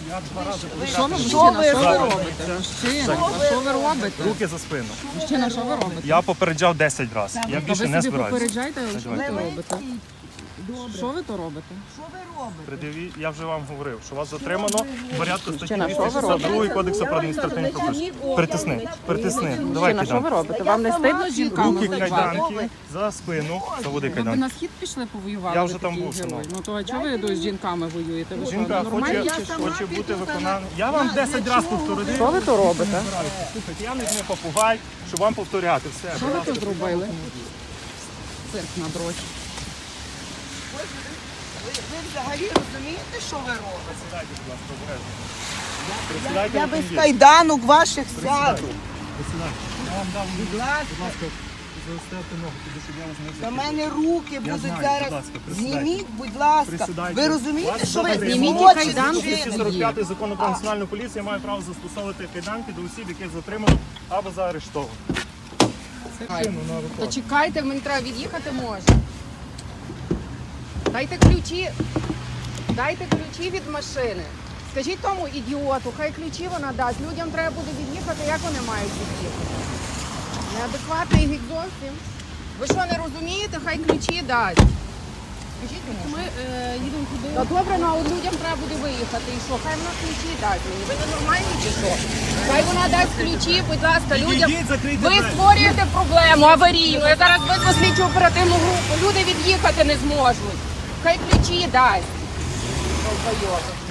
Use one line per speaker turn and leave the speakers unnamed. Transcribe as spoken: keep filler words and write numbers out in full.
Я два рази
Що ви,
повідомив.
мужчина, що ви робите? Мужчина, а що ви робите?
Руки за спину.
Мужчина, що ви робите?
Я попереджав десять разів. Я
А
більше
ви
не
собі
збираюся.
попереджайте, що ви
Давайте.
то робите? Що ви то робите?
Пред'яві- Я вже вам говорив, що вас затримано в порядку статті
Мужчина, що ви
двісті шістдесят два Кодексу про адміністративні правопорушення. Притисни, притисни. Давай
Мужчина, що ви
кайданки.
робите? Вам не стидно з жінками
Руки
воювати?
кайданки за спину. Заводи
Ви б
кайданки.
на схід пішли повоювати?
Я
ви
вже там
такий
був,
герой?
синок.
Ну то а чого ви з жінками воюєте? Ви що,
Жінка
нормальні
хоче,
чи що?
хоче бути виконана. Я вам десять разів повторюю.
Що ви то робите?
Слухайте, я не не попугай, щоб вам повторяти все.
Що ви тут зробили? Цирк на дрочі.
Ви взагалі розумієте, що ви робите?
Присідайте, будь ласка, обережно. Присідайте
Я
в
без
автомобіль.
кайданок ваших
Присідайте.
сяду.
Присідайте. Я вам дав,
Будь ласка.
будь ласка, заставте ногу, туди, щоб я вас не
До
зачепив.
мене руки будуть
знаю, будь
зараз.
ласка, присідайте.
Зніміть, будь ласка.
Присідайте.
Ви розумієте,
Вас
що ви
затримано.
Зніміть
злочин
кайданки.
двісті
вчинили?
сорок п'ятий закону про національну поліцію має право застосовувати кайданки до осіб, яких затримано або заарештовано. Шину на
То
виходу.
чекайте, мені треба від'їхати може. Дайте ключі. Дайте ключі від машини. Скажіть тому ідіоту, хай ключі вона дасть. Людям треба буде від'їхати, як вони мають від'їхати. Неадекватний гік зовсім. Ви що, не розумієте, хай ключі дасть. Скажіть йому. Ми їдемо куди? Та добре, ну а от людям треба буде виїхати. І що? Хай вона ключі дасть мені. Ви не нормальні чи що? Хай вона дасть ключі, будь ласка, людям.
Ідіть, закрийте
Ви
двері.
створюєте проблему аварійну. Я зараз визву слідчу оперативну групу. Люди від'їхати не зможуть. Хай ключі дасть. Долбойоби.